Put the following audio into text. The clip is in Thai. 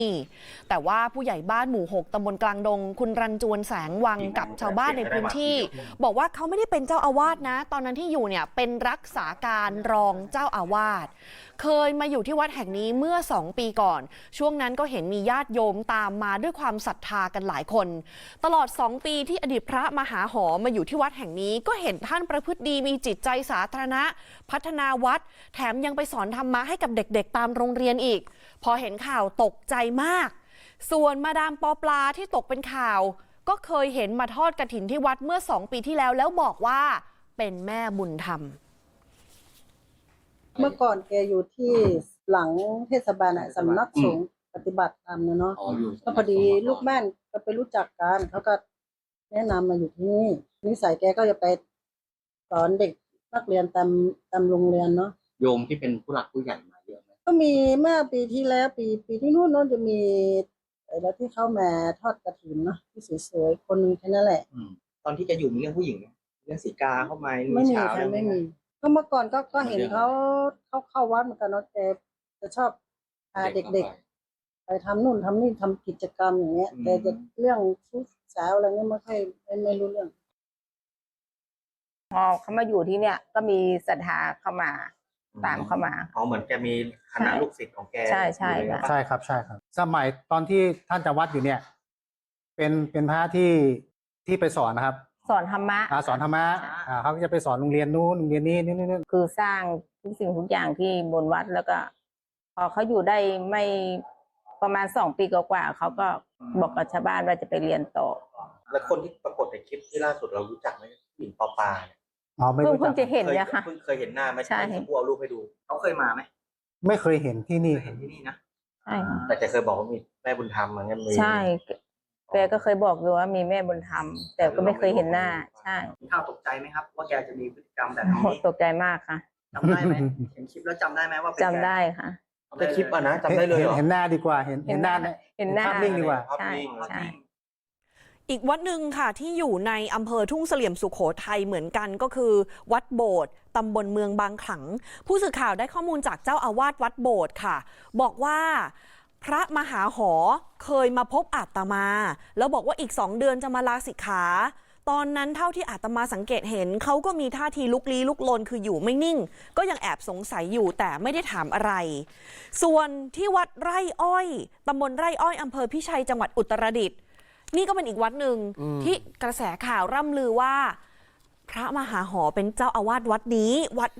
แต่ว่าผู้ใหญ่บ้านหมู่ 6 ตำบลกลางดงคุณรันจวนแสงวังกับชาวบ้านในพื้นที่บอกว่าเขาไม่ได้เป็นเจ้าอาวาสนะตอนนั้นที่อยู่เนี่ยเป็นรักษาการรองเจ้าอาวาสเคยมาอยู่ที่วัดแห่งนี้เมื่อ2 ปีก่อนช่วงนั้นก็เห็นมีญาติโยมตามมาด้วยความศรัทธากันหลายคนตลอด2 ปีที่อดีตพระมหาหอมาอยู่ที่วัดแห่งนี้ก็เห็นท่านประพฤติดีมีจิตใจสาธารณะพัฒนาวัดแถมยังไปสอนธรรมะให้กับเด็กๆตามโรงเรียนอีกพอเห็นข่าวตกใจมากส่วนมาดามปอปลาที่ตกเป็นข่าวก็เคยเห็นมาทอดกฐินที่วัดเมื่อ2 ปีที่แล้วบอกว่าเป็นแม่บุญธรรมเมื่อก่อนแกอยู่ที่หลังเทศบาลสำนักสงฆ์ปฏิบัติธรรมเนาะก็พอดีลูกบ้านก็ไปรู้จักกันเขาก็แนะนำมาอยู่ที่นี่นิสัยแกก็จะไปสอนเด็กนักเรียนตามโรงเรียนเนาะโยมที่เป็นผู้หลักผู้ใหญ่มาเยอะไหมก็มีเมื่อปีที่แล้วปีที่นู่นจะมีแล้วที่เข้ามาทอดกฐินเนาะที่สวยๆคนนึงแค่นั้นแหละตอนที่จะอยู่มีเรื่องผู้หญิงเรื่องสีกาเข้ามาไม่มีค่ะไม่มีก็เมื่อก่อนก็เห็นเขาเข้าวัดเหมือนกันเนาะแต่จะชอบพาเด็กๆไปทำนู่นทำนี่ทำกิจกรรมอย่างเงี้ยแต่จะเรื่องชู้สาวอะไรเงี้ยไม่รู้เรื่องพอเขามาอยู่ที่เนี่ยก็มีศรัทธาเข้ามาตามเข้ามาเหมือนแกมีคณะลูกศิษย์ของแกใช่ใช่ครับสมัยตอนที่ท่านจำวัดอยู่เนี่ยเป็นพระที่ไปสอนนะครับสอนธรรมะสอนธรรมะเขาจะไปสอนโรงเรียนนู้นโรงเรียนนี้นี่คือสร้างทุกสิ่งทุกอย่างที่บนวัดแล้วก็พอเขาอยู่ได้ไม่ประมาณ2 ปีกว่าเขาก็บอกกับชาวบ้านว่าจะไปเรียนต่อแล้วคนที่ปรากฏในคลิปที่ล่าสุดเรารู้จักไหมหญิงปอปาเนี่ยไม่รู้จักเพิ่งจะเห็นเนี่ยค่ะเคยเห็นหน้าไหมใช่ผู้เอารูปให้ดูเขาเคยมาไหมไม่เคยเห็นที่นี่เห็นที่นี่นะใช่แต่แกเคยบอกว่ามีแม่บุญธรรมเหมือนกันใช่แกก็เคยบอกอยู่ว่ามีแม่บุญธรรมแต่ก็ไม่เคยเห็นหน้าใช่ข้าวตกใจไหมครับว่าแกจะมีพฤติกรรมแบบนี้ตกใจมากค่ะจำได้ไหมเห็นคลิปแล้วจำได้ไหมว่าจำได้ค่ะในคลิปอ่ะนะจำได้เลยเห็นหน้าดีกว่าเห็นหน้าภาพนิ่งดีกว่าใช่อีกวัดหนึ่งค่ะที่อยู่ในอำเภอทุ่งเสลี่ยมสุโขทัยเหมือนกันก็คือวัดโบสถ์ตำบลเมืองบางขลังผู้สื่อข่าวได้ข้อมูลจากเจ้าอาวาสวัดโบสถ์ค่ะบอกว่าพระมหาหอเคยมาพบอาตมาแล้วบอกว่าอีก2 เดือนจะมาลาสิกขาตอนนั้นเท่าที่อาตมาสังเกตเห็นเขาก็มีท่าทีลุกลี้ลุกลนคืออยู่ไม่นิ่งก็ยังแอบสงสัยอยู่แต่ไม่ได้ถามอะไรส่วนที่วัดไร่อ้อยตำบลไร่อ้อยอำเภอพิชัยจังหวัดอุตรดิตถ์นี่ก็เป็นอีกวัดหนึ่งที่กระแสข่าวร่ำลือว่าพระมหาหอเป็นเจ้าอาวาสวัดนี้วัด